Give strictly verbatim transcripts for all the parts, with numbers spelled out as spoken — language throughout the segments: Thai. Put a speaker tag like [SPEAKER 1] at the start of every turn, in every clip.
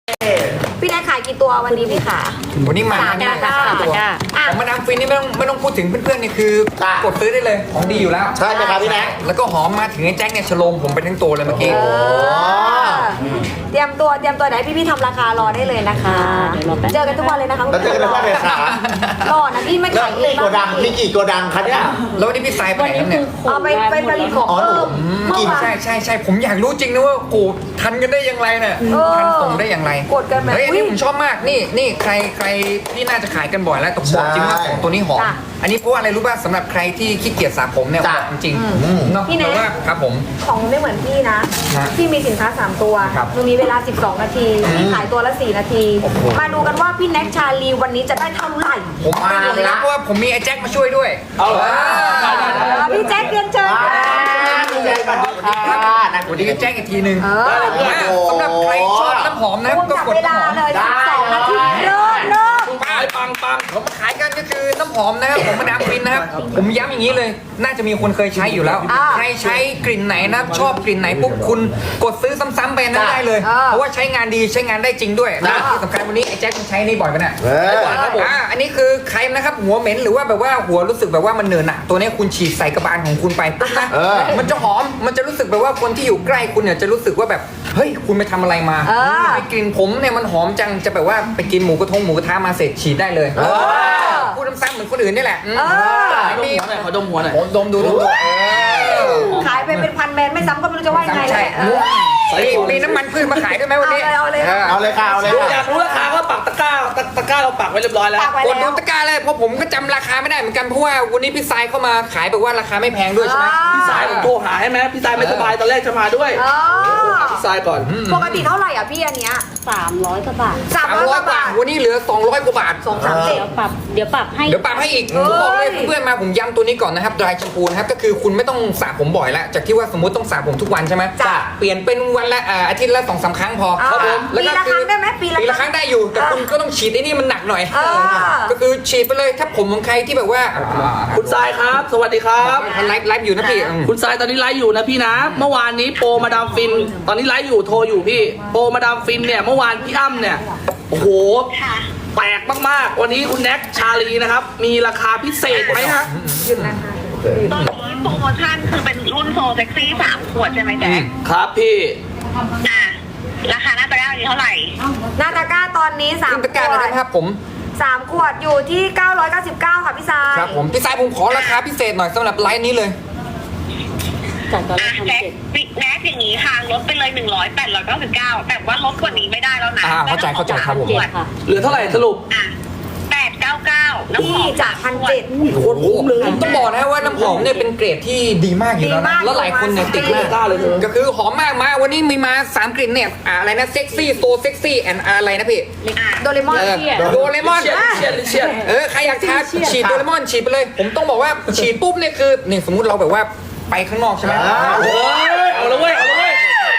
[SPEAKER 1] พี่แนทขายกี่ตัววันนี้พี่ขา
[SPEAKER 2] วันนี้มา
[SPEAKER 1] สาม
[SPEAKER 2] เนี่ย
[SPEAKER 1] ตะกร้า
[SPEAKER 2] สามตัว
[SPEAKER 1] อ่ะ
[SPEAKER 2] ของมาดามฟินนี่ไม่ต้องไม่ต้องพูดถึงเพื่อนๆนี่คือกดซื้อได้เลยของดีอยู่แล้ว
[SPEAKER 3] ใช่ไหมครับพี่แนท
[SPEAKER 2] แล้วก็หอมมาถึงไอ้แจ็คเนี่ยฉโลมผมไปทั้งตัวเลยเมื่อกี้
[SPEAKER 1] เออเตรียมตัวเตรียมตัวไหนพี่พี่ๆทำราคารอได้เลยนะคะ เจอกันทุกวันเลยนะคะ
[SPEAKER 3] แล้วเจอกันทุกวันเลยค่ะ
[SPEAKER 1] รอนะพี่ไม่
[SPEAKER 3] แล้ว
[SPEAKER 1] ขายเอ
[SPEAKER 3] นี่
[SPEAKER 1] ง
[SPEAKER 3] โกดังมีกี่โกดังคะเนี่ย
[SPEAKER 2] แล้ววันนี้พี่สายไปไหนครับเนี่ย
[SPEAKER 1] เอาไปไปผลิตของ
[SPEAKER 3] อ๋อ
[SPEAKER 1] เพิ่ม
[SPEAKER 2] อืม
[SPEAKER 1] เมื่อวาน
[SPEAKER 2] ใช่ใช่ใช่ผมอยากรู้จริงนะว่ากูทันกันได้ยังไงเนี่ย
[SPEAKER 1] เออ
[SPEAKER 2] ทันส่งได้อย่างไร
[SPEAKER 1] กดกันแบบ
[SPEAKER 2] เฮ้ยอันนี้
[SPEAKER 1] อุ๊ย
[SPEAKER 2] ผมชอบมากนี่นี่ใครใครที่น่าจะขายกันบ่อยแล้วแต่ผมบอกจริงว่าของตัวนี้หอม
[SPEAKER 1] จ้ะ
[SPEAKER 2] อันนี้เพราะว่าอะไรรู้ป่ะสำหรับใครที่ขี้เกียจสระผมเนี่ย
[SPEAKER 3] จ้ะ
[SPEAKER 2] จริง
[SPEAKER 1] อืม
[SPEAKER 2] ๆเนาะ
[SPEAKER 1] พี่แนท
[SPEAKER 2] แต่ว่าครับผม
[SPEAKER 1] ของไม่เหมือนพี่นะ
[SPEAKER 2] ฮะ
[SPEAKER 1] พี่มีสินค้าสามตัว
[SPEAKER 2] ครับ
[SPEAKER 1] หนูมีเวลาสิบสองนาทีพี่ขายตัวละสี่นาที
[SPEAKER 2] โอ้โห
[SPEAKER 1] มาดูกันว่าพี่แน็กชาลีวันนี้จะได้เท่าไหร่
[SPEAKER 2] ผมไม่รู้นะเพราะว่าผมมีไอ้แจ็คมาช่วยด้วย
[SPEAKER 3] เอาละ
[SPEAKER 2] อ่า
[SPEAKER 1] เออพี่แจ็คเรียนเชิญ
[SPEAKER 3] มา
[SPEAKER 1] ค่ะ
[SPEAKER 3] พี่แนทสวัสดีค่ะนะ
[SPEAKER 2] วันนี้ก็แจ้งอีกทีหนึ่ง
[SPEAKER 1] เออ
[SPEAKER 2] อ่าสำหรับใครชอบน้ำหอมนะ
[SPEAKER 1] รวม
[SPEAKER 2] ก็
[SPEAKER 1] จับ
[SPEAKER 2] กด
[SPEAKER 1] เวลา
[SPEAKER 2] น้ำหอม
[SPEAKER 1] เลยสิบสองนาทีเริ่มเริ่ม
[SPEAKER 2] ปังปังปังผมขายกันก็คือน้ำหอมนะครับผมมาดามฟินนะครับผมย้ำอย่างนี้เลย น่าจะมีคนเคยใช้อยู่แล้ว
[SPEAKER 1] อ่า
[SPEAKER 2] ใครใช้กลิ่นไหนนะชอบกลิ่นไหนปุ๊บคุณกดซื้อซ้ำๆไปนั่นได้เลย
[SPEAKER 1] อ่า
[SPEAKER 2] เพราะว่าใช้งานดีใช้งานได้จริงด้วยและที่สำคัญวันนี้ไอ้แจ็คคุณใช้นี่บ่อยปะเนี่ย
[SPEAKER 3] เฮ้ย
[SPEAKER 2] บ่อยครับผมอ่าอันนี้คือใครนะครับหัวเหม็นหรือว่าแบบว่าหัวรู้สึกแบบว่ามันเหนอะหนะตัวนี้คุณฉีดใส่กระบาลของคุณไปปุ๊บนะ
[SPEAKER 3] เออ
[SPEAKER 2] มันจะหอมมันจะรู้สึกแบบว่าคนที่อยู่ใกล้คุณเนี่ยจะรู้สึกว่าแบบเฮ้ยคุณไปทำอะไรมา
[SPEAKER 1] เออ
[SPEAKER 2] ไอ้กลิ่นผมเนี่ยมันหอมจังจะแบบว่าไปกินหมูกระทงหมูกระทะมาเสร็จฉีดได้เลย
[SPEAKER 3] เออ
[SPEAKER 2] พูดซ้ำๆเหมือนคนอื่นนี่แหละอืม
[SPEAKER 1] เออ
[SPEAKER 2] มี
[SPEAKER 4] ขอดมหัวหน่อย
[SPEAKER 2] ผมดมดูดมดูเออ
[SPEAKER 1] ขายไปเป็นพันแมนไม่ซ้ำก็ไม่รู้จะว่ายังไง
[SPEAKER 2] ใช่
[SPEAKER 1] เลย
[SPEAKER 2] ใช่มีน้ำมันพืชมาขายด้วยไหมวันนี้
[SPEAKER 1] เอาเลยเอาเลย
[SPEAKER 3] เอาเลยค่ะเอาเลย
[SPEAKER 4] อ
[SPEAKER 3] ค่ะ
[SPEAKER 4] ยากรู้ราคาก็ปักตะกร้าตะตะกร้าเราปักไว้เรียบร้อยแล้ว
[SPEAKER 1] ฝากไว้
[SPEAKER 2] กดดู
[SPEAKER 1] แล้ว
[SPEAKER 2] ตะกร้าเลยเพราะผมก็จำราคาไม่ได้เหมือนกันเพราะว่าวันนี้พี่ทรายเข้ามาขายแบบว่าราคาไม่แพงด้วยใช่ไหม
[SPEAKER 1] อ่า
[SPEAKER 4] พี่สายผมโทรหาให้ไหมพี่สายไม่สบายตอนแรกจะมาด้วย
[SPEAKER 1] อ๋อ
[SPEAKER 4] พี่สายก่อน
[SPEAKER 1] ปกติเท่าไหร่อ่ะพี่อันเนี้ย
[SPEAKER 5] สามร้อยกว่าบาท
[SPEAKER 1] สาม
[SPEAKER 2] สาม
[SPEAKER 1] ร้อย
[SPEAKER 2] ร้อย
[SPEAKER 1] ก
[SPEAKER 2] ก
[SPEAKER 1] ว่า
[SPEAKER 2] ว่า
[SPEAKER 1] บาท
[SPEAKER 2] วันนี้เหลือสองร้อยกว่าบาท
[SPEAKER 1] สองสามเจ็ด
[SPEAKER 5] เดี๋ยวปรับ เดี๋ยวปรับให้
[SPEAKER 2] เดี๋ยวปรับให้อีก
[SPEAKER 1] เอ้ย
[SPEAKER 2] บอกเลยเพื่อนๆมาผมย้ำตัวนี้ก่อนนะครับ dry shampoo นะครับก็คือคุณไม่ต้องสระผมบ่อยแล้วจากที่ว่าสมมติต้องสระผมทุกวันใช่ไหม
[SPEAKER 1] จ้ะ
[SPEAKER 2] เปลี่ยนเป็นวันละอ่าอาทิตย์ละสองสามครั้งพอ
[SPEAKER 1] อ่า
[SPEAKER 2] ครับผมแล้วก็
[SPEAKER 1] ปีละครั้งได้ไหมปีละ
[SPEAKER 2] ปีละครั้งได้อยู่ แต่
[SPEAKER 1] อ่า
[SPEAKER 2] คุณก็ต้องฉีดไอ้นี่มันหนักหน่อย
[SPEAKER 1] อ่า
[SPEAKER 2] ก็คือฉีดไปเลยถ้าผมของใครที่แบบว่า
[SPEAKER 4] คุณสายครับ สวัสดีครับ
[SPEAKER 2] ไลฟ์ไลฟ์อยู่นะพี่อืม
[SPEAKER 4] คุณสายตอนนี้ไลฟ์อยู่นะพี่นะ เมื่อวานนี้โปรมาดามฟิน ตอนนี้ไลฟ์อยู่โทรอยู่พี่ โปรมาดามฟินเนี่ยเมื่อวานพี่อ้ำเนี่ยโอ้โหแปลกมากๆ วันนี้คุณแน็กชาลีนะครับ มีราคาพิเศษไหมฮะ
[SPEAKER 1] หยุดนะคะ
[SPEAKER 6] ตอนนี้โปรโมชั่นคือเป็นรุ่นโซเซ็กซี่สามขวดใช่ไหมแจ๊ค
[SPEAKER 4] ครับพี่
[SPEAKER 6] อ่ะราคาหน้าตะกร้าอยู่เท่าไหร่
[SPEAKER 1] หนาตาก้าตอนนี้สาม
[SPEAKER 2] ขึ้นตะกร้าเลยนะครับผม
[SPEAKER 1] สามขวดอยู่ที่เก้าร้อยเก้าสิบเก้าค่ะพี่ทราย
[SPEAKER 2] ครับผมพี่สายผมขอราคาพิเศษหน่อยสำหรับไลฟ์นี้เลย
[SPEAKER 5] จากตอนแร
[SPEAKER 6] อ่ะ
[SPEAKER 5] กพัน
[SPEAKER 6] แจ๊ค
[SPEAKER 5] เจ็ด
[SPEAKER 6] ปิกแน็กอย่างนี้ค่ะ ลดไปเลยหนึ่งร้อยแปดร้อยเก้าสิบเก้าแต่ว่าลดกว่านี้ไม่ได้แล้วนะ
[SPEAKER 2] อ่าเข้าใจเข้าใจครับผม
[SPEAKER 6] ขวด
[SPEAKER 5] ค่ะ
[SPEAKER 4] เหลือเท่าไหร่สรุป
[SPEAKER 6] อ่ะแปดเก้าเก้าน้ำห
[SPEAKER 1] พี่
[SPEAKER 6] อม
[SPEAKER 1] จากพันเจ็ด
[SPEAKER 4] โคตรคุ้มเลย
[SPEAKER 2] ผมต้องบอกนะว่าน้ำหอมเนี่ยเป็นเกรดที่ดีมากอยู่แล้ว
[SPEAKER 1] ดี
[SPEAKER 2] นะ
[SPEAKER 1] มาก
[SPEAKER 2] แล้วหลายคนเนี่ยติดมาก
[SPEAKER 4] กล้าเลยเธอ
[SPEAKER 2] ก็คือหอมมากมาวันนี้มีมาสามกลิ่นเนี่ยอ่าอะไรนะเซ็กซี่โซเซ็กซี่แอนอะไรนะพี่
[SPEAKER 6] อ่ะ
[SPEAKER 1] โดเรมอน
[SPEAKER 2] เออ
[SPEAKER 5] เชี่ย
[SPEAKER 2] โดเรมอน
[SPEAKER 4] เชียดเชียดเชียด
[SPEAKER 2] เออใครอยากทาฉีดโดเรมอนฉีดไปเลย ผมต้องบอกว่าฉีดปุ๊บเนี่ยคือนี่สมมุติเราแบบว่าไปข้างนอกใช่ไหม
[SPEAKER 3] อ่า
[SPEAKER 4] โอ้ยเอาละเว้ยเอาละเว้ย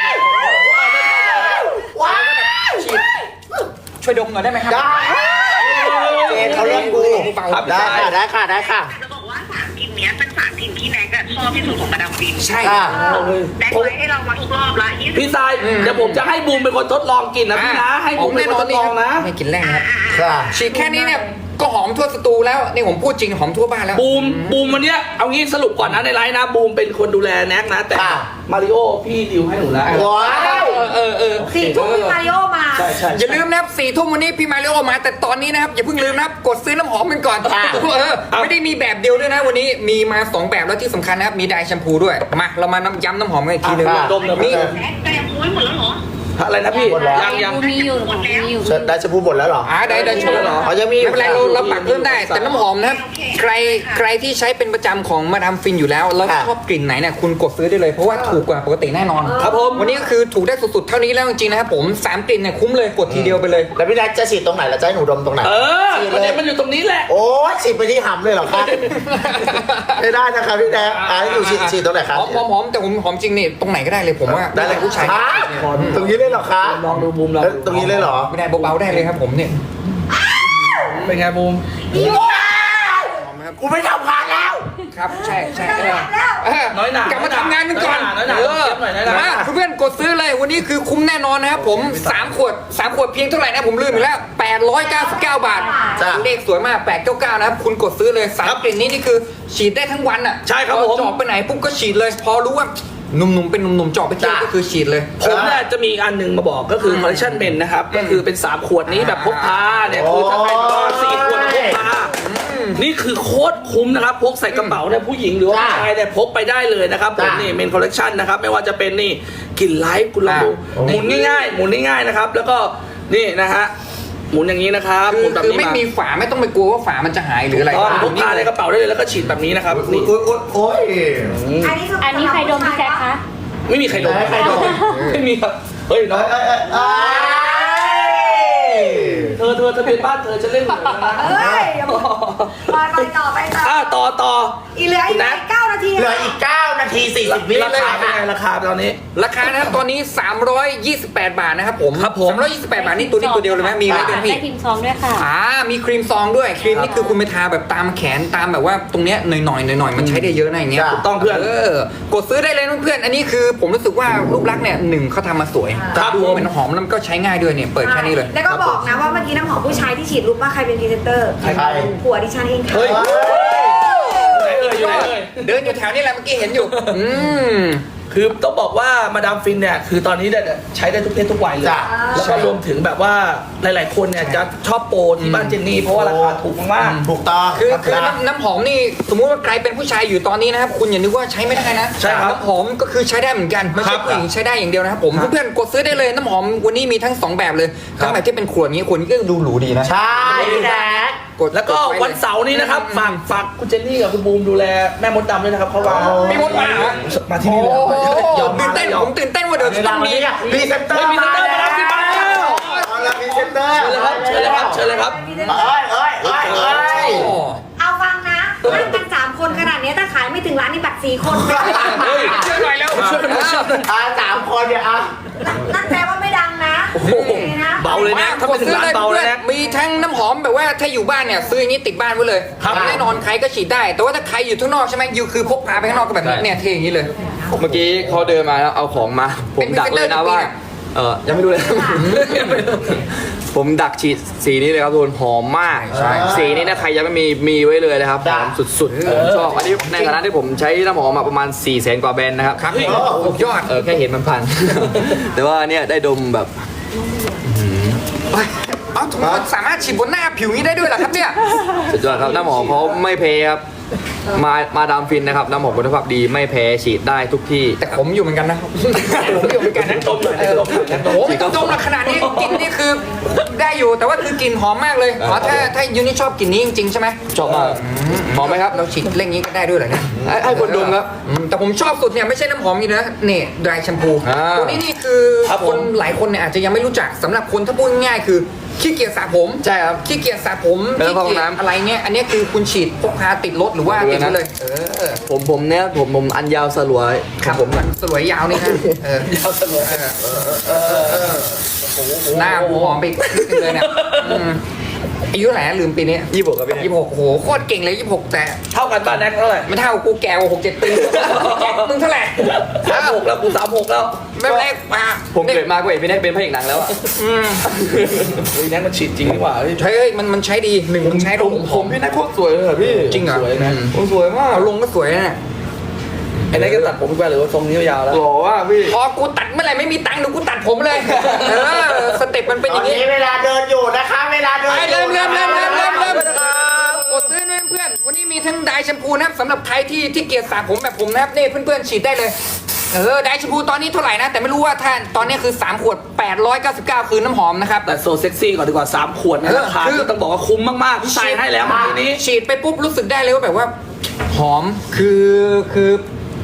[SPEAKER 2] ฉีดช่วยดมหน่อยได้ไหมครับ
[SPEAKER 3] ได้เจนเขาเรื่องกู
[SPEAKER 2] เบาๆ
[SPEAKER 4] ครับ
[SPEAKER 3] ได้ค่ะได้ค่ะได้ค่ะ
[SPEAKER 6] จะบอกว่าสามกลิ่นเนี้ยเป็นสามกลิ่นที่แน็กอะชอบที่สุดของมาดามฟิน
[SPEAKER 2] ใช่
[SPEAKER 3] ค่ะ
[SPEAKER 6] แน็กไว้ให้เรามาทุกรอบละยี่สิบ
[SPEAKER 4] พี่สายเดี๋ยวผมจะให้บูมเป็นคนทดลองกินนะพี่นะ ให้บูมเป็นคนทดลองนะ
[SPEAKER 2] ไม่กินแรกนะครับ
[SPEAKER 3] ค่ะ
[SPEAKER 2] ฉีดแค่นี้เนี่ยก็หอมทั่วสตูแล้วนี่ผมพูดจริงหอมทั่วบ้านแล้ว
[SPEAKER 4] บูมบูมวันเนี้ยเอางี้สรุปก่อนนะในไลน์นะบูมเป็นคนดูแลแน็กนะ แต่
[SPEAKER 3] ค่ะ
[SPEAKER 4] มาริโอพี่ดิวให้หนูแล้ว
[SPEAKER 3] ว้าว
[SPEAKER 2] เออเออเออ
[SPEAKER 1] สี่ทุ่มพี่มาริโอมา
[SPEAKER 4] ใช่ใช่
[SPEAKER 2] อย่าลืมนะครับสี่ทุ่มวันนี้พี่มาริโอมา แต่ตอนนี้นะครับอย่าเพิ่งลืมนะครับกดซื้อน้ำหอมกันก่อน
[SPEAKER 3] ค่ะ
[SPEAKER 2] เออไม่ได้มีแบบเดียวด้วยนะวันนี้มีมาสองแบบแล้วที่สำคัญนะครับมีไดร์แชมพูด้วยมาเรามาน้ำย้ำน้ำหอมกันอีกทีหนึง
[SPEAKER 3] ค่ะ
[SPEAKER 4] ดมเลย
[SPEAKER 2] นี่
[SPEAKER 6] แน็กแต่ยังไม่หมดแล้วเหรอ
[SPEAKER 4] อะไรนะพี่
[SPEAKER 3] หมดแล้ว
[SPEAKER 4] ยังยัง
[SPEAKER 5] มีอยู่ของมีอยู่
[SPEAKER 3] ได้ชมพูหมดแล้วเหรอ
[SPEAKER 2] อ่าได้ได้ชม
[SPEAKER 4] เหรอ
[SPEAKER 3] อ๋อยังมีอยู่
[SPEAKER 2] ไม่เป็นไรเราเราปักเพิ่มได้ แต่น้ำหอมนะครับใครใครที่ใช้เป็นประจำของมาดามฟินอยู่แล้วแล้ว
[SPEAKER 3] ค่ะ
[SPEAKER 2] ชอบกลิ่นไหนเนี่ยคุณกดซื้อได้เลยเพราะว่าถูกกว่าปกติแน่นอน
[SPEAKER 4] ครับผม
[SPEAKER 2] วันนี้ก็คือถูกได้สุดๆเท่านี้แล้วจริงๆนะครับผมสามกลิ่นเนี่ยคุ้มเลยกดทีเดียวไปเลย
[SPEAKER 3] แล้วพี่แน็กจะฉีดตรงไหนแล้วจะให้หนูดมตรงไหน
[SPEAKER 4] เออประเด็นมันอยู่ตรงนี้แหละ
[SPEAKER 3] โอ้ยฉีดไปที่หำเลยเหรอคะไม่ได้นะคะพี่แน็กอ่ะให้อยู่ฉีดฉีดตรงไหนคะ
[SPEAKER 2] หอมหอมหอมแต่ผมหอมจริงนี่ตรงไหนก็ได้เลยผมว่า
[SPEAKER 3] ได้เลย
[SPEAKER 2] ผู้ชาย
[SPEAKER 3] ฮะตรงนี้เลยเหรอคะ
[SPEAKER 4] ลองดูบูมลอง
[SPEAKER 3] เอ้ยตรงนี้เลยเหรอ
[SPEAKER 2] ไม่ได้เบาๆได้เลยครับผมเนี่ย
[SPEAKER 4] เป็นไงบูม
[SPEAKER 2] หอมไหมครับ
[SPEAKER 3] กูไม่ทำงานแล้ว
[SPEAKER 2] ครับใช่ใช่เออเ
[SPEAKER 4] น้อยหน่าก
[SPEAKER 2] ลับมาทำงานกันก่อน
[SPEAKER 4] น้อยหน่า
[SPEAKER 2] เออ
[SPEAKER 4] น้อยหน่าน้อยหน่า
[SPEAKER 2] มาเพื่อนๆกดซื้อเลยวันนี้คือคุ้มแน่นอนนะครับผมสามขวดสามขวดเพียงเท่าไหร่นะผมลืมอีกแล้วแปดร้อยเก้าสิบเก้าบาท
[SPEAKER 3] จ้ะ
[SPEAKER 2] เลขสวยมากแปดเก้าเก้านะครับคุณกดซื้อเลยสามกลิ่นนี้นี่คือฉีดได้ทั้งวันอ่ะ
[SPEAKER 4] ใช่ครับ
[SPEAKER 2] พอ
[SPEAKER 4] ผม
[SPEAKER 2] จอกไปไหนปุ๊บก็ฉีดเลย พอรู้ว่าหนุ่มๆเป็นหนุ่มๆจอกไปเที่ยว
[SPEAKER 3] จ้ะ
[SPEAKER 2] ก็คือฉีดเลย
[SPEAKER 4] ผมเนี่ยจะมีอีกอันหนึ่งมาบอกก็คือคอลเลคชันเบนนะครับ ก็คือเป็น สาม ขวดนี้แบบพกพาเนี่ยคือถ้าใครก็สี่ขวดพกพานี่คือโคตรคุ้มนะครับ พกใส่กระเป๋าเนี่ยผู้หญิงหรือว่าผู้ชายเนี่ยพกไปได้เลยนะครับผม
[SPEAKER 3] จ้ะ
[SPEAKER 4] นี่เมนคอลเลคชันนะครับไม่ว่าจะเป็นนี่กลิ่นไลฟ์คุณลองดู
[SPEAKER 3] อ่ะ
[SPEAKER 4] หมุนง่ายๆหมุนง่ายๆนะครับแล้วก็นี่นะฮะหมุนอย่างนี้นะครับ
[SPEAKER 2] คื
[SPEAKER 4] ห
[SPEAKER 2] อ
[SPEAKER 4] มุนแบบ
[SPEAKER 2] คือ
[SPEAKER 4] นี้
[SPEAKER 2] ไม่
[SPEAKER 4] มา
[SPEAKER 2] มีฝาไม่ต้องไปกลัวว่าฝามันจะหายหรืออะไร
[SPEAKER 4] ก็พกพาในกระเป๋าได้เลยแล้วก็ฉีดแบบนี้นะครับนี่
[SPEAKER 3] โอ๊ยโอ๊ยโอ๊ย
[SPEAKER 1] อันนี้คือ
[SPEAKER 5] อันนี้ใครดมพี่แจ๊คคะ
[SPEAKER 4] ไม่มีใครโดน
[SPEAKER 3] ไม่มีใครโดน
[SPEAKER 4] ไม่มีครับเฮ้ยน้อง
[SPEAKER 3] เอ้ยเอ้ยเอ้ย
[SPEAKER 4] เธอเธอทะเบียนบ้านเธอจะเล่นเหมือนกันนะ
[SPEAKER 1] เอ้ยอย่าบอกไปไปต่อไปต่อ
[SPEAKER 4] อ่ะต่อต่อ
[SPEAKER 1] อีเหลืออีก
[SPEAKER 4] คุณแน็ก
[SPEAKER 1] เก้านาที
[SPEAKER 3] เหลืออีกเก้านาทีสี่สิบวิ
[SPEAKER 4] ราคาเป็นไงราคาตอนนี้
[SPEAKER 2] ราคานะครับตอนนี้สามร้อยยี่สิบแปดบาทนะครับผม
[SPEAKER 4] ครับผม
[SPEAKER 2] สามร้อยยี่สิบแปดบาทนี่ตัวนี้ตัวเดียวเลยไหมมีอะไรด้วยพี่
[SPEAKER 5] ได้พิมพ์ซองด้วยค่ะ
[SPEAKER 2] อ่ามีครีมซองด้วยครีมนี่คือคุณไปทาแบบตามแขนตามแบบว่าตรงเนี้ยหน่อยหน่อยหน่อยหน่อยๆมันใช้ได้เยอะนะอย่างเงี้ย
[SPEAKER 3] จ้ะ
[SPEAKER 4] ถูกต้องเพื่อน
[SPEAKER 2] เออกดซื้อได้เลยเพื่อนๆอันนี้คือผมรู้สึกว่ารูปลักษณ์เนี่ยหนึ่งเขาทำมาสวย
[SPEAKER 4] ครับ
[SPEAKER 2] ดู
[SPEAKER 4] ผม
[SPEAKER 2] เหมือนหอมแล้วมันก็ใช้ง่ายด้วยเนี่ยเปิดแค่นี้เลย
[SPEAKER 1] แล้วก็บอกนะว่าเมื่อกี้น้ำหอมผู้ชายที่ฉีดรู้ว่าใครเป็นพรีเซนเตอร์
[SPEAKER 3] ใคร
[SPEAKER 1] ผัวดิฉันเองค่ะ
[SPEAKER 4] เฮ้ย
[SPEAKER 3] เฮ้ย
[SPEAKER 4] ไหนเอ่ยอยู่ไหนเอ่ย
[SPEAKER 2] เดินอยู่แถวนี้แหละเมื่อกี้เห็นอยู่ อืม
[SPEAKER 4] คือต้องบอกว่ามาดามฟินเนี่ยคือตอนนี้เนี่ยใช้ได้ทุกเพศทุกวัยเลย
[SPEAKER 3] จ้ะ
[SPEAKER 4] แล้วก็รวมถึงแบบว่าหลายๆคนเนี่ยจะชอบโปรที่บ้านเจนนี่เพราะว่าราคาถูกมาก
[SPEAKER 3] ถูกต้อง
[SPEAKER 2] คือคือ
[SPEAKER 3] นะ
[SPEAKER 2] น้ำน้ำหอมนี่สมมุติว่าใครเป็นผู้ชายอยู่ตอนนี้นะครับคุณอย่านึกว่าใช้ไม่ได้นะ
[SPEAKER 4] ใช่ครับ
[SPEAKER 2] น้ำหอมก็คือใช้ได้เหมือนกันไม่
[SPEAKER 4] ครั
[SPEAKER 2] ใช่
[SPEAKER 4] บ
[SPEAKER 2] ผู้หญิงใช้ได้อย่างเดียวนะครับผม
[SPEAKER 4] ครับ
[SPEAKER 2] เพื่อนๆกดซื้อได้เลยน้ำหอมวันนี้มีทั้งสองแบบเลย
[SPEAKER 4] ครับ
[SPEAKER 2] ทั้งแบบที่เป็นขวดนี้ขวดนี้ก็ดูหรูดีนะ
[SPEAKER 3] ใช่พี่แจ๊ค
[SPEAKER 2] กด
[SPEAKER 4] แล้วก็
[SPEAKER 2] ดไเลย
[SPEAKER 4] วันเสาร์นี้นะครับฝากฝากคุณเจนนี่กับคุณบูมดูแลแม่มดดำด้วยนะครับเขาวาง
[SPEAKER 2] มีมดมาเหรอ
[SPEAKER 4] มาที่นี่เลย
[SPEAKER 2] โอ้โห
[SPEAKER 4] ยอม
[SPEAKER 2] ตื่
[SPEAKER 4] มาน แล้
[SPEAKER 2] เต้น
[SPEAKER 4] วยอ
[SPEAKER 2] ผม มตื่นเต้นว่าเดี๋ยวจะต้องมี
[SPEAKER 3] พรีเซนเตอ
[SPEAKER 4] เฮ้ย
[SPEAKER 3] ร์
[SPEAKER 4] มีเซนเตอร์มาแล้วพี่มาแล้ว
[SPEAKER 3] เอาละพรีเซนเตอร์
[SPEAKER 4] เชิญเลยครับเชิญเลยครับเชิญเลยครับ
[SPEAKER 3] เอ้ยเอ้ยเอ้ยเอ้ย
[SPEAKER 2] โอ้
[SPEAKER 1] เอาฟังนะนั่งกันสามคนขนาดนี้ถ้าขายไม่ถึงร้านนี่บัตรสี่คน
[SPEAKER 2] เฮ้ยช่วยหน่อยแล้ว
[SPEAKER 4] ช่วยกันหน่อยช่วยกันหน่อย
[SPEAKER 3] อ่าสามคนเนี่ยอ่ะ
[SPEAKER 1] นั่นแปลว่าไม่ดังนะ
[SPEAKER 4] โอ้โห
[SPEAKER 1] นี่นะ
[SPEAKER 4] เบาเลยนะถ้าไม่ถึงร้านเบาเลยนะ
[SPEAKER 2] มีทั้งน้ำหอมแบบว่าถ้าอยู่บ้านเนี่ยซื้ออย่างนี้ติดบ้านไว้เลย
[SPEAKER 4] ครับ
[SPEAKER 2] แน่นอนใครก็ฉีดได้ แต่ว่าถ้าใครอยู่ข้างนอกใช่ไหมยูคือพกพาไปข้างนอกก็แบบนี้
[SPEAKER 7] ใช่
[SPEAKER 2] เนี่ยเทอย่างนี้เลย
[SPEAKER 7] เมื่อกี้เขาเดินมาแล้วเอาของมา ผมดักเลยนะว่า เออยังไม่รู้เลย ผมดักฉีดสีนี้เลยครับทุกคนหอมมาก
[SPEAKER 2] ใช่
[SPEAKER 7] สีนี้นะใครยังไม่มีมีไว้เลยนะครับห
[SPEAKER 3] จ้ะ
[SPEAKER 7] อมสุดๆผมชอบอันนี้ในฐานะที่ผมใช้น้ำหอมมาประมาณ4ี่แสนกว่าแบรนด์นะครับ
[SPEAKER 2] ครับสุดยอด
[SPEAKER 7] เออแค่เห็นมันพัน แต่ว่าเนี่ยได้ดมแบบ
[SPEAKER 2] เอ้ยเอ้าทำไมมันสามารถฉีดบนหน้าผิวนี้ได้ด้วยเหรอครับเนี่ย
[SPEAKER 7] สุดยอดครับน้ำหอมเขาไม่แพ้ครับมามาดามฟินนะครับน้ำหอมคุณภาพดีไม่แพ้ฉีดได้ทุกที่
[SPEAKER 2] แต่ผมอยู่เหมือนกันนะผมอยู่เหมือนกันนะ
[SPEAKER 4] ดมหน่อยนะดมหน่อยนะ
[SPEAKER 2] โอ้โหไม่ต้องดมละขนาดนี้กลิ่นนี่คือได้อยู่แต่ว่าคือกลิ่นหอมมากเลยอ๋อถ้าถ้ายูนี่ชอบกลิ่นนี้จริงๆใช่ไหม
[SPEAKER 7] ชอบมากหอมไหมครับ
[SPEAKER 2] เราฉีดเร่งนี้ก็ได้ด้วยเหรอเนี่ย
[SPEAKER 7] ให้ให้คนดมครับ
[SPEAKER 2] อืมแต่ผมชอบสุดเนี่ยไม่ใช่น้ำหอมนี่นะเนี่ยดรายแชมพู
[SPEAKER 7] อ่า
[SPEAKER 2] ตัวนี้นี่คือ
[SPEAKER 4] ครับ
[SPEAKER 2] ค
[SPEAKER 4] ผม
[SPEAKER 2] นหลายคนเนี่ยอาจจะยังไม่รู้จักสำหรับคนถ้าพูดง่ายๆคือขี้เกียจสระผม
[SPEAKER 7] ใช่ครับ
[SPEAKER 2] ขี้เกียจสระผม
[SPEAKER 7] ไม่ต้
[SPEAKER 2] ขี้
[SPEAKER 7] องเข้าห้
[SPEAKER 2] เกี
[SPEAKER 7] อง
[SPEAKER 2] ยจ
[SPEAKER 7] น้ำ
[SPEAKER 2] อะไรเนี่ยอันนี้คือคุณฉีดพกพาติดรถหรือว่าติดไปเลยเออ
[SPEAKER 7] ผมผมเนี่ยผมผมอันยาวสลวย
[SPEAKER 2] ครับผมสวยยาวนี่นะเออยาวสวยหน้าผมหอมไปอีกนิดนึงเลยเนี่ยอืมอายุเท่าไหร่นะลืมปีนี้
[SPEAKER 7] ยี่สิบหกครับพี่
[SPEAKER 2] ยี่สิบหกโอ้โหโคตรเก่งเลยยี่สิบหกแต่
[SPEAKER 4] เท่ากันบ้านแน็กเท่าไหร่
[SPEAKER 2] ไม่เท่ากูแก่กว่าหกเจ็ดปีมึงเท่าไหร่
[SPEAKER 4] สามหกแล้วกูสามหกแล้ว
[SPEAKER 2] ไม่เป็นไรมา
[SPEAKER 7] ผมเกิดมาก็เห็นพี่แน็กเป็นพระเอกหนังแล้วอะ
[SPEAKER 2] อืม
[SPEAKER 4] เฮ้ยแน็กมันฉีดจริงนี่หว่าเฮ้ย
[SPEAKER 2] ใช้เอ้ยมันมันใช้ดีหนึ่งมันใช้ลงผม
[SPEAKER 7] พี่แน็กโคตรสวยเลยอะพี่
[SPEAKER 2] จริงเหรอ
[SPEAKER 4] สวยนะ
[SPEAKER 7] ผมสวยมาก
[SPEAKER 2] เอาลงก็สวยนะ
[SPEAKER 4] ไอ้แน็กก็ตัดผมไปหรือว่าทรงนี้ยาวแล้ว
[SPEAKER 7] หล่อว่ากพี่
[SPEAKER 2] พอกูตัดเมื่อไหร่ไม่มีตังค์เดี๋ยวกูตัดผมเลยเออสเต็ปมันเป็น
[SPEAKER 3] ต
[SPEAKER 2] อ
[SPEAKER 3] อน
[SPEAKER 2] ย่างนี้
[SPEAKER 3] นี้เวลาเดินอยู่นะคะ เวลาเดิน
[SPEAKER 2] ไป
[SPEAKER 3] อยู่
[SPEAKER 2] เริ่มเริ่มเริ่มเริ่มเริ่มเริ่มกดซื้อด้วยเพื่อนวันนี้มีทั้งไดร์แชมพูนะครับสำหรับใครที่ที่เกลียดสระผมแบบผมนะครับนี่เพื่อนๆฉีดได้เลยเออไดร์แชมพูตอนนี้เท่าไหร่นะแต่ไม่รู้ว่าท่านตอนนี้คือสามขวดแปดร้อยเก้าสิบเก้าคือน้ำหอมนะครับ
[SPEAKER 4] แต่โซเซ็กซี่ก่อนดีกว่าสามขวดนะ
[SPEAKER 2] เออ
[SPEAKER 4] ราคา
[SPEAKER 2] คือ
[SPEAKER 4] ที่ต้องบอกว่าคุ้มมากๆพี่ใส่ให้แล้วเมื่อกี้นี้
[SPEAKER 2] ฉีดไปปุ๊บรู้สึกได้เลยว่าแบบว่าหอมคือคือ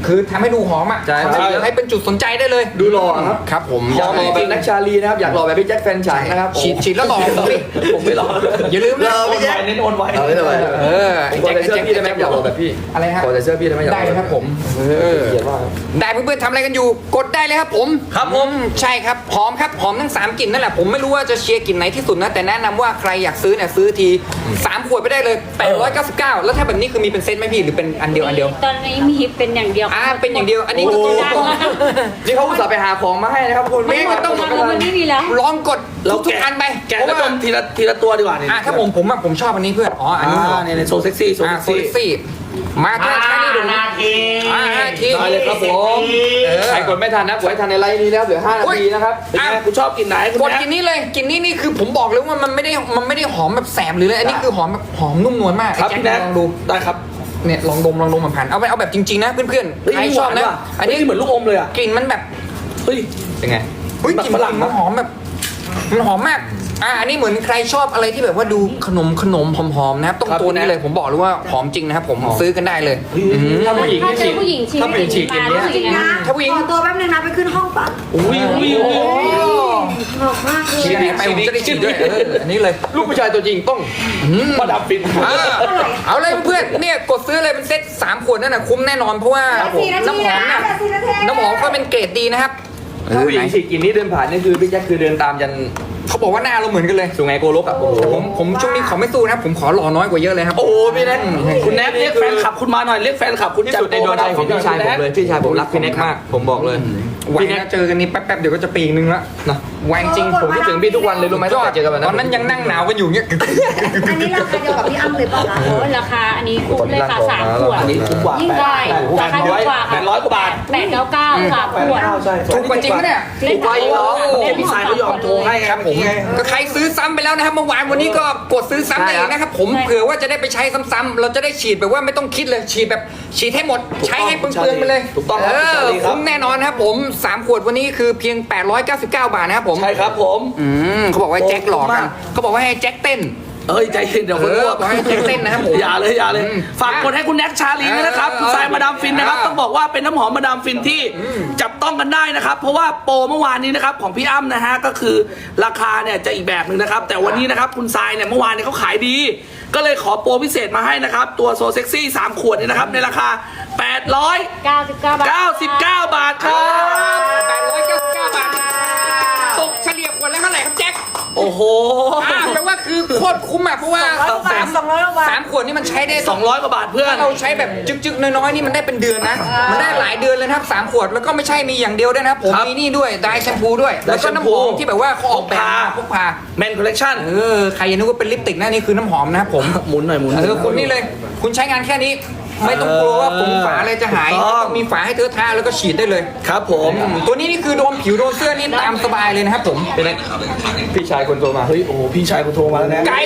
[SPEAKER 2] คือทำให้ดูหอมอ่ะ
[SPEAKER 7] ใช่ครับ
[SPEAKER 2] ทำให้ให้เป็นจุดสนใจได้เลย
[SPEAKER 7] ดูหล่อครับ
[SPEAKER 2] ครับผม
[SPEAKER 7] อยากหล่อแบบนักชาลีนะครับ อยากหล่อแบบพี่แจ็คแฟนฉันนะครับ
[SPEAKER 2] ฉีดฉีดแล้วหล่อผมดิ
[SPEAKER 4] ผมไม่รอ
[SPEAKER 2] อย่าลืมนะ
[SPEAKER 3] เรา
[SPEAKER 4] โอน
[SPEAKER 3] พี่
[SPEAKER 4] ไว
[SPEAKER 3] แจ๊ค
[SPEAKER 4] เน้นโอนไว
[SPEAKER 7] เอาไม่เป็นไร
[SPEAKER 2] เออ
[SPEAKER 7] ผมขอใส่เสื้อพี่ได้ไหมอยากหล่อแบบพี่
[SPEAKER 2] อะไรฮะ
[SPEAKER 7] ขอใส่เสื้อพี่ได้ไหมอยากห
[SPEAKER 2] ได้
[SPEAKER 7] ล่อ
[SPEAKER 2] เลยครับผมเออ
[SPEAKER 7] เขียนว่า
[SPEAKER 2] ได้เพื่อนๆทำอะไรกันอยู่กดได้เลยครับผม
[SPEAKER 4] ครับผม
[SPEAKER 2] ใช่ครับหอมครับหอมทั้งสามกลิ่นนั่นแหละผมไม่รู้ว่าจะเชียร์กลิ่นไหนที่สุดนะแต่แนะนำว่าใครอยากซื้อเนี่ยซื้อทีสามขวดไปได้เลยแปดร้อยเก้าสิบเก้าแล้วถ้าแบบนี้คือมีเป็นเซตไหมพี่หรือเป็นอันเดียวอันเดียว
[SPEAKER 5] ตอนนี้มีเป็นอย่างเดียว
[SPEAKER 2] อ่าเป็นอย่างเดียวอันนี้ก็
[SPEAKER 7] โอ้
[SPEAKER 2] ต้อง
[SPEAKER 7] โห นี่เขาอุตส่าห์ไปหาของมาให้นะครับคุณ
[SPEAKER 2] ไม่ก็ต้อง
[SPEAKER 5] แล้วมันไม่มีแล้ว
[SPEAKER 2] ลองกด
[SPEAKER 4] เรา
[SPEAKER 2] ทุก
[SPEAKER 4] แกะ
[SPEAKER 2] ๆอันไป
[SPEAKER 4] แกะ
[SPEAKER 2] เพ
[SPEAKER 4] แล้ว
[SPEAKER 2] ราะ
[SPEAKER 4] ด
[SPEAKER 2] ว่าม
[SPEAKER 4] ทีละทีละตัวดีกว่าเนี่ย
[SPEAKER 2] อ่าถ้าผมผมอะผมชอบอันนี้เพื่อนอ๋ออันนี้
[SPEAKER 4] อ่าเนี่ยในโซเซ็กซี่โซ
[SPEAKER 2] อ่า
[SPEAKER 4] เซ็ก
[SPEAKER 2] โซ
[SPEAKER 4] ซี่
[SPEAKER 2] ลิซี่มาถ้าใช้นี่ดู
[SPEAKER 3] นาที
[SPEAKER 2] อ่าห้าที
[SPEAKER 4] ได้เลยครับผม
[SPEAKER 2] เออ
[SPEAKER 7] ใครกดไม่ทันนะกดให้ทันในไลน์นี้แล้วเหลือห้านาทีนะครับ
[SPEAKER 4] เป็นไงคุณชอบกินไหนคุณ
[SPEAKER 2] กด
[SPEAKER 4] แม่
[SPEAKER 2] กินนี้เลยกินนี้นี่คือผมบอกเลยว่ามันไม่ได้มันไม่ได้หอมแบบแสบหรืออะไรอันนี้คือหอมแบบหอมนุ่มนวลมาก
[SPEAKER 4] ครับ
[SPEAKER 2] ไอ้
[SPEAKER 4] พี่
[SPEAKER 2] แจ็
[SPEAKER 4] แน็
[SPEAKER 2] ค
[SPEAKER 4] ก
[SPEAKER 2] ลองดู
[SPEAKER 4] ได้ครับ
[SPEAKER 2] เนี่ยลองดมลองดมผ่านๆเอาไปเอาแบบจริงๆนะเพื่อน
[SPEAKER 4] เฮ้ย
[SPEAKER 2] ๆใครชอบนะ
[SPEAKER 4] หวาว่
[SPEAKER 2] อันนี้
[SPEAKER 4] เฮ้ยเหมือนลูกอมเลยอ่ะ
[SPEAKER 2] กลิ่นมันแบบ
[SPEAKER 4] เฮ้ย
[SPEAKER 7] เป็นไง
[SPEAKER 2] เฮ้ยกลิ่น
[SPEAKER 4] ฝรั่ง
[SPEAKER 2] มันหอมแบบมันหอมมากอ่าอันนี้เหมือนใครชอบอะไรที่แบบว่าดูขนมขนมหอมๆนะครับต้อง
[SPEAKER 4] ครับ
[SPEAKER 2] ตัวนี้
[SPEAKER 4] พี่แน็ก
[SPEAKER 2] เลยผมบอกเลยว่าหอมจริงนะครับผมซื้อกันได้เลยอืม
[SPEAKER 7] ถ้าผู้หญิง
[SPEAKER 5] ถ้า
[SPEAKER 7] ที่
[SPEAKER 5] เจ
[SPEAKER 7] ฉี
[SPEAKER 5] อ
[SPEAKER 7] ด
[SPEAKER 5] ผู้หญิงฉีด
[SPEAKER 7] ถ้าผู้หญิงฉีดกลิ่นเนี้ย
[SPEAKER 5] จริงนะ
[SPEAKER 2] ถ้าผู้หญิง
[SPEAKER 1] ขอตัวแป๊บนึงนะไปขึ้นห้องปะ
[SPEAKER 4] อุ้ยอุ้ยอุ้ย
[SPEAKER 1] หอมมากเลย
[SPEAKER 2] ฉีดไหนไปผมจะได้ฉีดด้วยเอออันนี้เลย
[SPEAKER 7] ลูกผู้ชายตัวจริงต้อง
[SPEAKER 4] มาดับฟิน
[SPEAKER 2] อ่าเอาเลยเพื่อนๆเนี่ยกดซื้อเลยเป็นเซ็ตสามขวดนั่นน่ะคุ้มแน่นอนเพราะว่า
[SPEAKER 1] สี่นาที
[SPEAKER 2] น้ำหอม
[SPEAKER 1] นะ
[SPEAKER 2] น่ะ
[SPEAKER 1] สี่นาที
[SPEAKER 2] น้ำหอมก็เป็นเกรดดีนะครับ
[SPEAKER 7] ถ้าผู้หญิงฉีดกลิ่นนี้เดินผ่านนี่คือพี่แจ็คคือเดินตามยัน
[SPEAKER 2] เขาบอกว่าหน้าเราเหมือนกันเลย
[SPEAKER 7] สุไหงโกลกอ่ะโอ้โห
[SPEAKER 2] แต่ผมผมช่วงนี้ขอไม่สู้นะครับผมขอหล่อน้อยกว่าเยอะเลยครับ
[SPEAKER 4] โอ้โหพี่แน็กคุณแน็กเรียกแฟนคลับคุณมาหน่อยเรียกแฟนคลับคุณ
[SPEAKER 7] ที่
[SPEAKER 4] จัด
[SPEAKER 7] สุดในดวงใจของพี่ชายผมเลยพี่ชายผมรักพี่แน็กมาก ผมบอกเลย
[SPEAKER 2] ไว้
[SPEAKER 7] พี่แน็ก
[SPEAKER 2] นะเจอกันนี้แป๊บๆเดี๋ยวก็จะปีนึงละ
[SPEAKER 7] นะ
[SPEAKER 2] ไวจริง
[SPEAKER 7] ผมคิดถึงพี่ทุกวันเลยรู้ไหม
[SPEAKER 2] ย
[SPEAKER 7] ตั้ง
[SPEAKER 2] อด
[SPEAKER 7] แต่เจอกันวัน
[SPEAKER 2] ตอนนั้นยังนั่งหนาวกันอยู่เงี้ย
[SPEAKER 1] อันนี้ราคาเดียวกับพี่อ้ำเลยป่ะคะ
[SPEAKER 5] โอ้ราคาอันนี้คุ้มเลยค่ะสามขวด
[SPEAKER 4] อันนี้ถูกกว่า
[SPEAKER 5] ยิ่งได้ราคาถูกกว่า
[SPEAKER 4] แป
[SPEAKER 5] ค่ะ
[SPEAKER 4] ดร้อยกว่าบาท
[SPEAKER 5] แปดเก้าเก้าสามขวด
[SPEAKER 4] ใช่
[SPEAKER 2] ถูกกว่าจริงปะเนี่ย
[SPEAKER 5] เล่น
[SPEAKER 4] ถูกกว่าอีกเหรอ
[SPEAKER 5] เล่น
[SPEAKER 4] พี่ชายเขายอมโทรให้ไง
[SPEAKER 2] ครับผมก็ใครซื้อซ้ำไปแล้วนะครับเมื่อวานวันนี้ก็กดซื้อซ้ำได้อีกนะครับผมเผื่อว่าจะได้ไปใช้ซ้ำๆเราจะได้ฉีดแบบว่าไม่ต้องคิดเลยฉีดแบบฉีดให้หมดใช้ให้เปลืองๆไปเลย
[SPEAKER 4] ถูกต้องค
[SPEAKER 2] เอ
[SPEAKER 4] รับ
[SPEAKER 2] อ
[SPEAKER 4] พี่ชาลีครับ
[SPEAKER 2] คุ้มแน่นอนครับผมสามขวดวันนี้คือเพียงแปดร้อยเก้าสิบเก้าบาทนะครับผม
[SPEAKER 4] ใช่ครับผม
[SPEAKER 2] อืมเขาบอกว่าให้แจ็คหลอกกันเขาบอกว่าให้แจ็คเต้น
[SPEAKER 4] เอ้ยใจเย็นเดี๋ยวคน
[SPEAKER 2] เอ
[SPEAKER 4] รู้
[SPEAKER 2] อ
[SPEAKER 4] ว่า
[SPEAKER 2] บอกให้แจ็คเต้นนะครับผม
[SPEAKER 4] อย่าเลยอย่าเลย
[SPEAKER 2] อืม
[SPEAKER 4] ฝากกดให้คุณแน็กชาลีด้วยนะครับ
[SPEAKER 2] เออ
[SPEAKER 4] คุณทรายมาดามฟินนะครับ
[SPEAKER 2] เออ
[SPEAKER 4] ต้องบอกว่าเป็นน้ำหอมมาดามฟินที่จับต้องกันได้นะครับ เพราะว่าโปรเมื่อวานนี้นะครับของพี่อ้ำนะฮะก็คือราคาเนี่ยจะอีกแบบหนึ่งนะครับ แต่วันนี้นะครับคุณทรายเนี่ยเมื่อวานเนี่ยเขาขายดี ก็เลยขอโปรพิเศษมาให้นะครับ ตัวโซเซ็กซี่สามขวดเนี่ยนะครับในราคา แปดร้อย
[SPEAKER 5] เก้าสิบเก้าบาท
[SPEAKER 4] เก้าสิบเก้า บาทครับ
[SPEAKER 2] แปดร้อยเก้าสิบเก้าบาทตกเฉลี่ยขวดละเท่าไหร่ครับแจ็ค
[SPEAKER 4] โอ้โห
[SPEAKER 2] อ่าแปลว่าคือโคตรคุ้มอ่ะเพราะว่าสาม
[SPEAKER 1] สองร้อยกว่าบาท
[SPEAKER 2] สามขวดนี่มันใช้ได้
[SPEAKER 4] สองร้อยกว่าบาทเพื่อน
[SPEAKER 2] ถ้าเราใช้แบบจึกๆน้อยๆนี่มันได้เป็นเดือนนะ มันได้หลายเดือนเลยนะครับสามขวดแล้วก็ไม่ใช่มีอย่างเดียวด้วยนะครับผม
[SPEAKER 4] ครับ
[SPEAKER 2] มีนี่ด้วยไดร์แชมพูด้วย แล้วก็น้ำหอมที่แบบว่าเขาออกแบบมาพกพา
[SPEAKER 4] แมนคอลเลคชั่น
[SPEAKER 2] เออใครยังนึกว่าเป็นลิปสติกนะนี่คือน้ำหอมนะครับผม
[SPEAKER 4] หมุนหน่อยหมุนหน่
[SPEAKER 2] เอย อคุณนี่เลย คุณใช้งานแค่นี้ ไม่ต้องกลัวว่าผมฝาอะไรจะหาย
[SPEAKER 4] ถูกต้อง
[SPEAKER 2] ต้องมีฝาให้เธอทาแล้วก็ฉีดได้เลย
[SPEAKER 4] ครับผม
[SPEAKER 2] ตัวนี้นี่คือโดนผิวโดนเสื้อนี่ตามสบายเลยนะครับผม
[SPEAKER 7] เป็นไงพี่ชายคนโทรมา
[SPEAKER 4] เฮ้ยโอ้โหพี่ชายกูโทรมาแล้วนะ
[SPEAKER 2] ไก่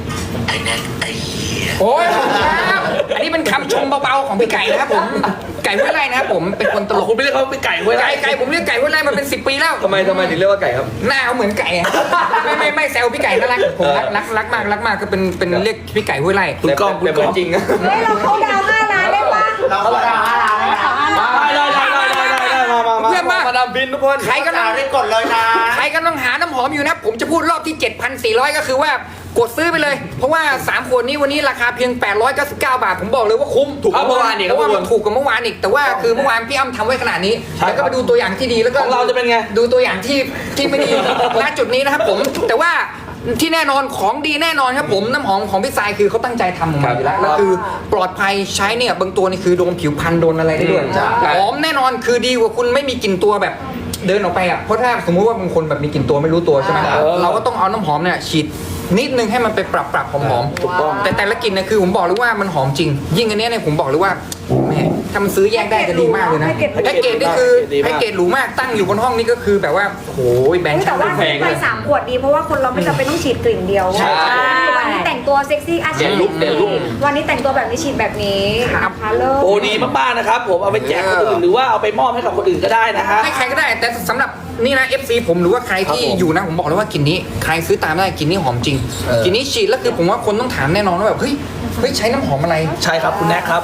[SPEAKER 2] โอ้ยขอบคุณครับ อันนี้เป็นคำชมเบาๆของพี่ไก่นะครับผม ไก่ห้วยไร่นะครับผม เป็นคนตลก
[SPEAKER 4] คุณไม่เรียกเขาเป็นไก่เว้ย
[SPEAKER 2] ไก่ไก่ผมเรียกไก่ห้วยไร่มาเป็นสิบปีแล้ว
[SPEAKER 7] ทำไมทำไมถึงเรียกว่าไก่ครับ
[SPEAKER 2] หน้าเขาเหมือนไก่อะไม่ไม่ไม่แซวพี่ไก่น่ารักผมรักรักรักมากรักมากก็เป็นเป็นเรียกพี่ไก่ห้วยไร่
[SPEAKER 4] คุณกล้องคุณ
[SPEAKER 7] แต่
[SPEAKER 4] ก
[SPEAKER 7] เหมื
[SPEAKER 4] ล้
[SPEAKER 7] อ
[SPEAKER 4] อน ง
[SPEAKER 7] จริงนะ
[SPEAKER 1] เฮ้ยเราเข้าดาวห้าล้านได้ปะ
[SPEAKER 3] เราก็ดาวห้าล้านเลยนะ
[SPEAKER 4] ได้ได้ได้ได้ได้ได้มามามา
[SPEAKER 2] เพื่อนมา
[SPEAKER 7] มาดามบินทุกคน
[SPEAKER 2] ใครกำลัง
[SPEAKER 3] ได้กดเลยนะ
[SPEAKER 2] ใครกำลังหาน้ำหอมอยู่นะ ผมจะพูดรอบที่ เจ็ดพันสี่ร้อย ก็คือว่ากดซื้อไปเลย เพราะว่าสามขวดนี้วันนี้ราคาเพียงแปดร้อยเก้าสิบเก้าบาท ผมบอกเลยว่าคุ้ม
[SPEAKER 7] ถูกกว่าเมื่อวานอีก
[SPEAKER 2] เพราะว่า
[SPEAKER 7] ครับ
[SPEAKER 2] มันถูกกว่าเมื่อวานอีกแต่ว่าคือเมื่อวานพี่อ้ำทำไว้ขนาดนี้แล้วก็ไปดูตัวอย่างที่ดีแล้วก็
[SPEAKER 4] ของเราจะเป็นไง
[SPEAKER 2] ดูตัวอย่างที่ที่ไม่ดี ณจุดนี้นะครับผมแต่ว่าที่แน่นอนของดีแน่นอนครับผมน้ำหอมของพี่ทรายคือเขาตั้งใจทำออกมาอยู่แล้วแล้วคือปลอดภัยใช้เนี่ยบางตัวนี่คือโดนผิวพันโดนอะไรได้ด้วย
[SPEAKER 3] จ้ะ
[SPEAKER 2] หอมแน่นอนคือดีกว่าคุณไม่มีกลิ่นตัวแบบเดินออกไปอ่ะเพราะถ้าสมมุติว่าบางคนแบบมีกลิ่นตัวไม่รู้ตัวใช่ไหมเราก็ต้องเอาน้ำหอมเนี่ยฉีดนิดนึงให้มันไปปรับปรับหอมๆ
[SPEAKER 4] ถูกต้อง
[SPEAKER 2] แต่แต่ละกลิ่นเนี่ยคือผมบอกเลยว่ามันหอมจริง ยิ่งอันเนี้ยเนี่ยผมบอกเลยว่าแม่ถ้ามันซื้อแยกได้จะดีมากเลยนะแพ็กเกจนี่คือแพ็กเกจหรูมากตั้งอยู่บนห้องนี่ก็คือแบบว่าโอ้โหแบงค์
[SPEAKER 1] แต่ว่า
[SPEAKER 2] แพง
[SPEAKER 1] ไป
[SPEAKER 2] เลย
[SPEAKER 1] สามขวดดีเพราะว่าคนเราไม่จำเป็นต้องฉีดกลิ่นเดียว
[SPEAKER 2] ใช่
[SPEAKER 1] วันนี้แต่งตัวเซ็กซี่อาชี
[SPEAKER 7] เด่นลุคเด่นลุค
[SPEAKER 1] วันนี้แต่งตัวแบบนี้ฉีดแบบนี้นะคะเลิศ
[SPEAKER 4] โอ้ดีมากๆนะครับผมเอาไปแจกคนอื่นหรือว่าเอาไปมอบให้กับคนอื่นก็ได้นะฮะ
[SPEAKER 2] ให้ใครก็ได้แต่สำหรับนี่นะ เอฟ ซี ผมหรือว่าใครที่
[SPEAKER 4] ครับผม
[SPEAKER 2] อยู่นะผมบอกเลยว่ากลิ่นนี้ใครซื้อตามได้กลิ่นนี้หอมจริง
[SPEAKER 4] เออ
[SPEAKER 2] กลิ่นนี้ฉีดแล้วคือผมว่าคนต้องถามแน่นอนว่าแบบเฮ้ยเฮ้ยใช้น้ำหอมอะไร
[SPEAKER 4] ใช่ครับคุณแน็กครับ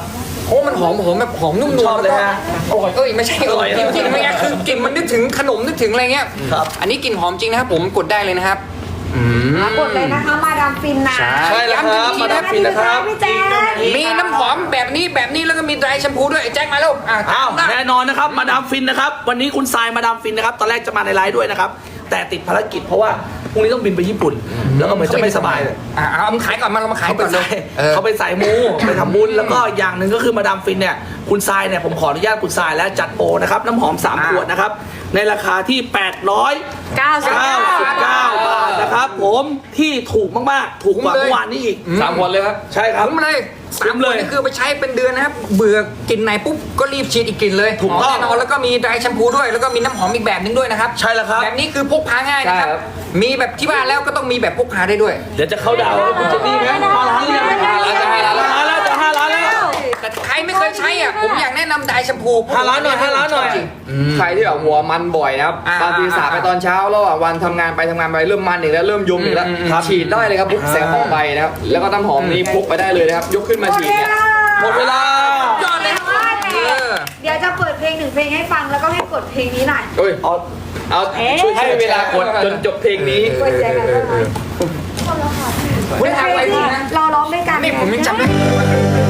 [SPEAKER 2] โอ้มันหอมหอมแบบหอมนุ่มนวล
[SPEAKER 4] ชอบเลยฮะ
[SPEAKER 2] อร่อยเอ้ยไม่ใช่อร่อย
[SPEAKER 4] อร่อย
[SPEAKER 2] จริงๆไม่งั้นคือกลิ่นมันนึกถึงขนมนึกถึงอะไรเงี้ย
[SPEAKER 4] ครับ
[SPEAKER 2] อันนี้กลิ่นหอมจริงนะครับผมกดได้เลยนะครับอืม
[SPEAKER 1] กดเลยนะคะมาดามฟินนะ
[SPEAKER 2] ใช่
[SPEAKER 4] ใช่แล้วครับ
[SPEAKER 2] ย้ำอีกที
[SPEAKER 4] มาดามฟินนะครับ
[SPEAKER 1] พี่แจ๊ค
[SPEAKER 2] มีน้ำหอมแบบนี้แบบนี้แล้วก็มีไดร์แชมพูด้วยไอ้แจ็คมาแล้วอ่ะ
[SPEAKER 4] อ้าว
[SPEAKER 2] ตาม
[SPEAKER 4] แน่นอนนะครับมาดามฟินนะครับวันนี้คุณทรายมาดามฟินนะครับตอนแรกจะมาในไลฟ์ด้วยนะครับแต่ติดภารกิจเพราะว่าพรุ่งนี้ต้องบินไปญี่ปุ่น แล้วก็เหมือนจะไม่สบายเลย
[SPEAKER 2] อ่ะเอามาขายก่อนมาเรามาขาย
[SPEAKER 4] เขาไป
[SPEAKER 2] ก่อนเล
[SPEAKER 4] ใส่
[SPEAKER 2] ยเออ
[SPEAKER 4] เขาไปใส่มูไปทำบุญแล้วก็อย่างหนึ่งก็คือมาดามฟินเนี่ยคุณทรายเนี่ยผมขออนุญาตคุณทรายแล้วจัดโปรนะครับน้ำหอมสามขวดนะครับในราคาที่แปดร้อย
[SPEAKER 1] เก้าสิบ
[SPEAKER 4] เก้าสิบเก้าบาทนะครับผมที่ถูกมากๆ ถูกกว่าเมื่อวานนี้อีก
[SPEAKER 7] สามคนเลยครับ
[SPEAKER 4] ใช่ครับ
[SPEAKER 2] คุ้มเลย
[SPEAKER 4] คุ้
[SPEAKER 2] สาม
[SPEAKER 4] ม
[SPEAKER 2] เล
[SPEAKER 4] เลย ย
[SPEAKER 2] นี่คือไปใช้เป็นเดือนนะครับ เบื่อกลิ่นไหนปุ๊บก็รีบฉีดอีกกลิ่นเลย
[SPEAKER 4] ถูกต้อง
[SPEAKER 2] แน่นอนแล้วก็มีไดร์แชมพูด้วยแล้วก็มีน้ำหอมอีกแบบนึงด้วยนะครับ
[SPEAKER 4] ใช่แล้วครับ
[SPEAKER 2] แบบนี้คือพกพาง่ายนะครับ
[SPEAKER 7] ใช่ครับ
[SPEAKER 2] มีแบบที่บ้านแล้วก็ต้องมีแบบพกพาได้ด้วย
[SPEAKER 4] เดี๋ยวจะเข้าดาวน์ให้คุณเจนนี่ไหมห้าล้านหรือยังห้าล้านจะห้าล้านแล้วจะห้าล้านแล้ว
[SPEAKER 2] แต่ใครไม่เคยใช้อ่ะผมอยากแนะนำไดร์แชมพู
[SPEAKER 4] ห้าล้านหน่อยห้าล้านหน่อย
[SPEAKER 2] จริง
[SPEAKER 7] ใครที่แบบหัวมันบ่อยนะครับ
[SPEAKER 2] อ่า
[SPEAKER 7] บางทีสระไปตอนเช้าแล้วอ่ะวันทำงานไปทำงานไปเริ่มมันอีกแล้วเริ่มยุมอีกแล้ว
[SPEAKER 2] อืมอืม
[SPEAKER 7] ครับฉีดได้เลยครับพกแสงหอมไปนะครับแล้วก็น้ำหอมนี้พกไปได้เลยนะครับยกขึ้นมาฉีดเนี่ย
[SPEAKER 4] หมดเวลา
[SPEAKER 2] ยอดเลยครับเออ
[SPEAKER 1] เดี๋ยวจะเปิดเพลงหนึ่งเพลงให้ฟังแล้วก็ให้กดเพลงนี้หน่อย
[SPEAKER 7] เอ้ย
[SPEAKER 4] เอา
[SPEAKER 7] เอาช่วยให้เวลากดจนจบเพลงนี้
[SPEAKER 1] กดแชร์กันได้ไหม
[SPEAKER 2] คุณทำอะไร
[SPEAKER 1] เพลง
[SPEAKER 2] ดี
[SPEAKER 1] ที่
[SPEAKER 2] นะ
[SPEAKER 1] เราร้องด้วยกัน
[SPEAKER 2] นี่ผมยังจำได้